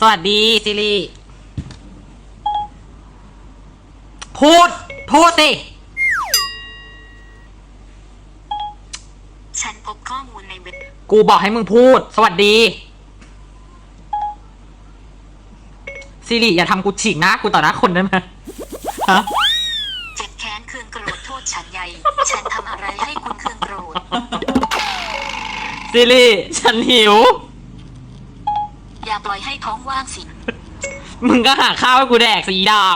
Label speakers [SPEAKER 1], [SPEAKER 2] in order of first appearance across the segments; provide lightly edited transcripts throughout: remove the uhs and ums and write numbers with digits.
[SPEAKER 1] สวัสดีซิริพูดสิ
[SPEAKER 2] ฉันพบข้อมูลในเว็บ
[SPEAKER 1] กูบอกให้มึงพูดสวัสดีซิริอย่าทำกูฉีกหน้ากูต่อหน้าคนได้ไหมฮะ
[SPEAKER 2] เจ็บแค้นเคืองโกรธโทษฉันใหญ่ฉันทำอะไรให้คุณเคืองโกรธ
[SPEAKER 1] ซิริฉันหิว
[SPEAKER 2] อย่าปล่อยให้ท้องว่างสิ
[SPEAKER 1] มึงก็หาข้าวให้กูแดกสีดอก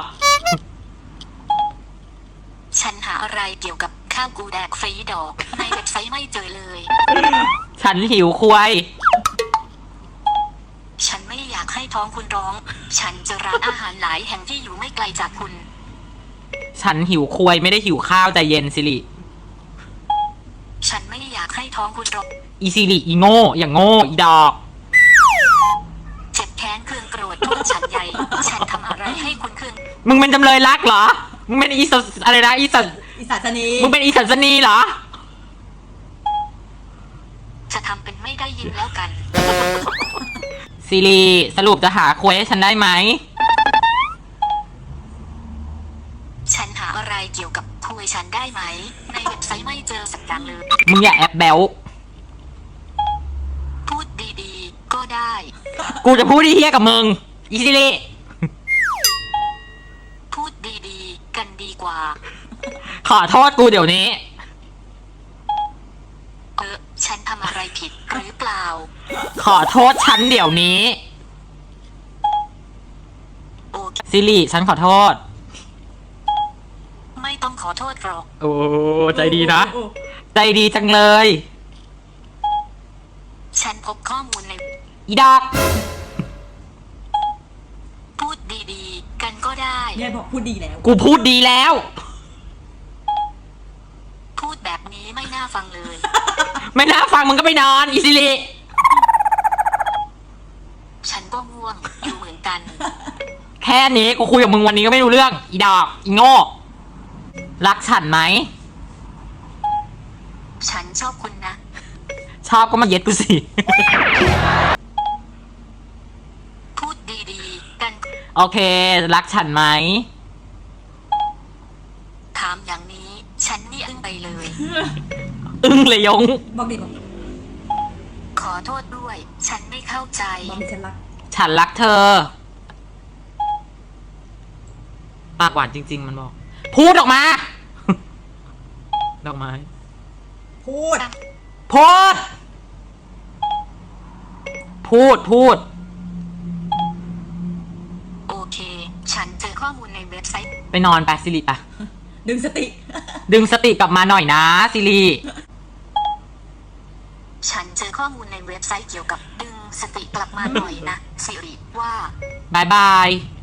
[SPEAKER 2] ฉันหาอะไรเกี่ยวกับข้าวกูแดกฟรีดอกในเว็บไซต์ไม่เจอเลย
[SPEAKER 1] ฉันหิวควาย
[SPEAKER 2] ฉันไม่อยากให้ท้องคุณร้องฉันเจอร้านอาหารหลายแห่งที่อยู่ไม่ไกลจากคุณ
[SPEAKER 1] ฉันหิวควายไม่ได้หิวข้าวใจเย็นซิริ
[SPEAKER 2] ฉันไม่อยากให้ท้องคุณร้อง
[SPEAKER 1] อีซิริอีโง่อย่างโง่อีดอก
[SPEAKER 2] เจ็บแค้นเคืองโกรธโทษฉันใหญ่ฉันทำอะไรให้คุณเคือง
[SPEAKER 1] มึงเป็นจำเลยรักเหรอมึงเป็นอีสัอะไรนะอี
[SPEAKER 3] สัสนี
[SPEAKER 1] มึงเป็นอีสัสนีเหรอ
[SPEAKER 2] จะทำเป็นไม่ได้ยินแล้วกัน
[SPEAKER 1] ซิริสรุปจะหาควายให้ฉันได้ไหม
[SPEAKER 2] ฉันหาอะไรเกี่ยวกับคุยฉันได้ไหมในเว็บไซต์ไม่เจอสักอย่างเลย
[SPEAKER 1] มึงอย่าแอบแบล
[SPEAKER 2] พูดดีๆก็ได้
[SPEAKER 1] กูจะพูดดีเฮี้ยกับมึงอีซิริ
[SPEAKER 2] พูดดีๆกันดีกว่า
[SPEAKER 1] ขอโทษกูเดี๋ยวนี้
[SPEAKER 2] ฉันทำอะไรผิดหรือเปล่า
[SPEAKER 1] ขอโทษฉันเดี๋ยวนี้ซิริฉันขอโทษ
[SPEAKER 2] ไม่ต้องขอโทษหรอก
[SPEAKER 1] โอ้ใจดีนะใจดีจังเลย
[SPEAKER 2] ฉันพบข้อมูลใน
[SPEAKER 1] อีดอก
[SPEAKER 2] พูดดีๆกันก็ได้
[SPEAKER 3] เนี่ยบอกพูดดีแล้ว
[SPEAKER 1] กูพูดดีแล้ว
[SPEAKER 2] พูดแบบนี้ไม่น่าฟังเลย
[SPEAKER 1] ไม่น่าฟังมึงก็ไปนอนอีซิริ
[SPEAKER 2] ฉันก็ง่วงอยู่เหมือนกัน
[SPEAKER 1] แค่นี้กูคุยกับมึงวันนี้ก็ไม่รู้เรื่องอีดอกอีโง่รักฉันไหม
[SPEAKER 2] ฉันชอบคุณนะ
[SPEAKER 1] ชอบก็มาเย็ดกูสิ
[SPEAKER 2] พูดดีๆกัน
[SPEAKER 1] โอเครักฉันไหม
[SPEAKER 2] ถามอย่างนี้ฉันนี่อึ้งไปเลย
[SPEAKER 1] เลยยง
[SPEAKER 3] บอกดิบอก
[SPEAKER 2] ขอโทษด้วยฉันไม่เข้าใจ
[SPEAKER 3] บอกดิฉัน
[SPEAKER 1] รักเธอปากหวานจริงๆมันบอกพูดออกมาดอกไม้
[SPEAKER 3] พูด
[SPEAKER 2] โอเคฉันเจอข้อมูลในเว็บไซต์
[SPEAKER 1] ไปนอนไปซิริปะ
[SPEAKER 3] ดึงส
[SPEAKER 1] ติกลับมาหน่อยนะซิริ
[SPEAKER 2] ฉันเจอข้อมูลในเว็บไซต์เกี่ยวกับดึงสติกลับมาหน่อยนะซิริว่า
[SPEAKER 1] บาย